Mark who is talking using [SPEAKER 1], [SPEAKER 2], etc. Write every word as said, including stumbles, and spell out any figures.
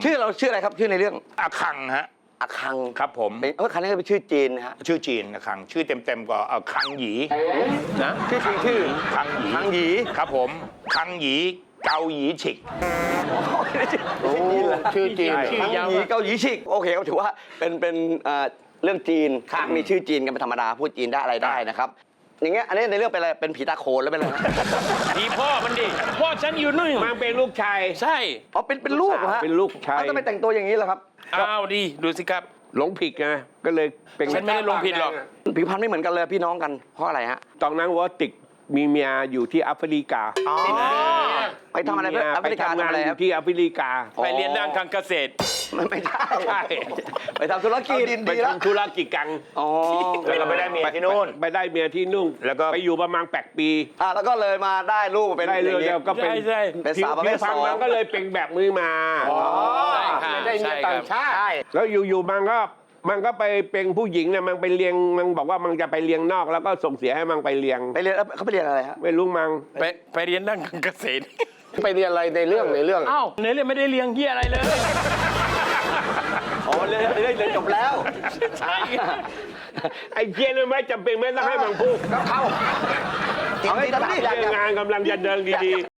[SPEAKER 1] ชื่อเราชื่ออะไรครับชื่อในเรื่อง
[SPEAKER 2] อาคังฮะ
[SPEAKER 1] อาคัง
[SPEAKER 2] ครับผม
[SPEAKER 1] เป็นเออคันนี้เป็นชื่อจีนนะฮะ
[SPEAKER 2] ชื่อจีนอาคัง ชื่อเต็มๆก็อาคังหยีนะ
[SPEAKER 1] ชื่อจริงชื่อ
[SPEAKER 2] คังหยี
[SPEAKER 1] คังหยี
[SPEAKER 2] ครับผมคังหยีเกาหยีฉิก
[SPEAKER 1] โอ้ชื่อจีน
[SPEAKER 2] ชื่
[SPEAKER 1] คั
[SPEAKER 2] อง ยาว
[SPEAKER 1] หยีเกาหลีชิกโอเคก็ถือว่าเป็นเป็นเอ่อเรื่องจีนมีชื่อจีนกันเป็นธรรมดาพูดจีนได้อะไรได้นะครับอย่างเงี้ยอันนี้ในเรื่องเป็นอะไรเป็นผีตาโขนแล้วเป็นอะไร
[SPEAKER 3] ผีพ่อมันดิ พ่อฉันอยู่นู่น
[SPEAKER 4] มันเป็นลูกชาย
[SPEAKER 3] ใช่
[SPEAKER 1] อ๋อเป็นเป็นลูกเหรอฮะ
[SPEAKER 4] เป็นลูกชาย
[SPEAKER 1] แล้วทำไมแต่งตัวอย่างนี้ล่ะครับ
[SPEAKER 3] อ้าวดีดูสิครับ
[SPEAKER 4] หลงผิดไงก็เลยเป็น
[SPEAKER 3] ฉันไม่ได้หลงผิดหรอก
[SPEAKER 1] ผิวพรรณไม่เหมือนกันเลยพี่น้องกันเพราะอะไรฮะ
[SPEAKER 4] ตอนนั้นวอติกมีเมียอยู่ที่แอฟริกา
[SPEAKER 1] ไปทำอะไรเพื่อแอฟ
[SPEAKER 4] ไป
[SPEAKER 1] ริกา
[SPEAKER 4] ทำงา
[SPEAKER 1] ทำ
[SPEAKER 4] น
[SPEAKER 1] อะไร
[SPEAKER 4] อ
[SPEAKER 1] ครั
[SPEAKER 4] ยู่
[SPEAKER 1] บ
[SPEAKER 4] ที่แอฟริกา
[SPEAKER 3] ไปเรียนด้านการเกษตร
[SPEAKER 1] ไม่ไม่ใช่
[SPEAKER 4] ใช่
[SPEAKER 1] ไปทำธุรกิจ
[SPEAKER 4] ไปทำธุรกิจกัน
[SPEAKER 1] อ๋อ
[SPEAKER 2] แล้วก็ไปได้เมียที่นู่น
[SPEAKER 4] ไปได้เมียที่นู่น
[SPEAKER 2] แล้วก็
[SPEAKER 4] ไปอยู่ประมาณแปดปี
[SPEAKER 1] อ่ะแล้วก็เลยมาได้ลูกมาเป็น
[SPEAKER 4] ได้เลย
[SPEAKER 1] อย่างงี้
[SPEAKER 4] แล้วก็เป็น
[SPEAKER 3] ใช่ใช่
[SPEAKER 1] เป็นสาวประเภท
[SPEAKER 4] ผิวพรรณ
[SPEAKER 1] สอง
[SPEAKER 4] มันก็เลยเป็นแบบมือมา
[SPEAKER 3] ใช่ค่ะ
[SPEAKER 4] ได้เมี
[SPEAKER 3] ใช่
[SPEAKER 4] ย
[SPEAKER 3] ค
[SPEAKER 4] ต่า
[SPEAKER 3] รั
[SPEAKER 4] ง
[SPEAKER 3] บ
[SPEAKER 4] ชาติแล้วอยู่ๆมันก็มันก็ไปเป็นผู้หญิงเนี่ยมันไปเลี้ยงมันบอกว่ามันจะไปเลี้ยงนอกแล้วก็ส่งเสียให้มันไปเลี้ยง
[SPEAKER 1] ไปเรียนเขาไปเรียนอะไรฮะ
[SPEAKER 4] ไม่รู้มัง
[SPEAKER 3] ไปไปเรียนด้านการเกษตร
[SPEAKER 4] ไปเรียนอะไรในเรื่องในเรื่อง
[SPEAKER 3] อ้าวในเรื่องไม่ได้เรียนเฮียอะไรเลย
[SPEAKER 1] อ๋อเรียนเรียนเรียนจบแล้ว
[SPEAKER 3] ใช่
[SPEAKER 4] ไอ้เจียนไม่จำเป็นไม่ต้องให้มันพูด
[SPEAKER 1] ก็เข้าเอาให้ตลาดอยาก
[SPEAKER 4] งานกำลังจะเดินดีๆ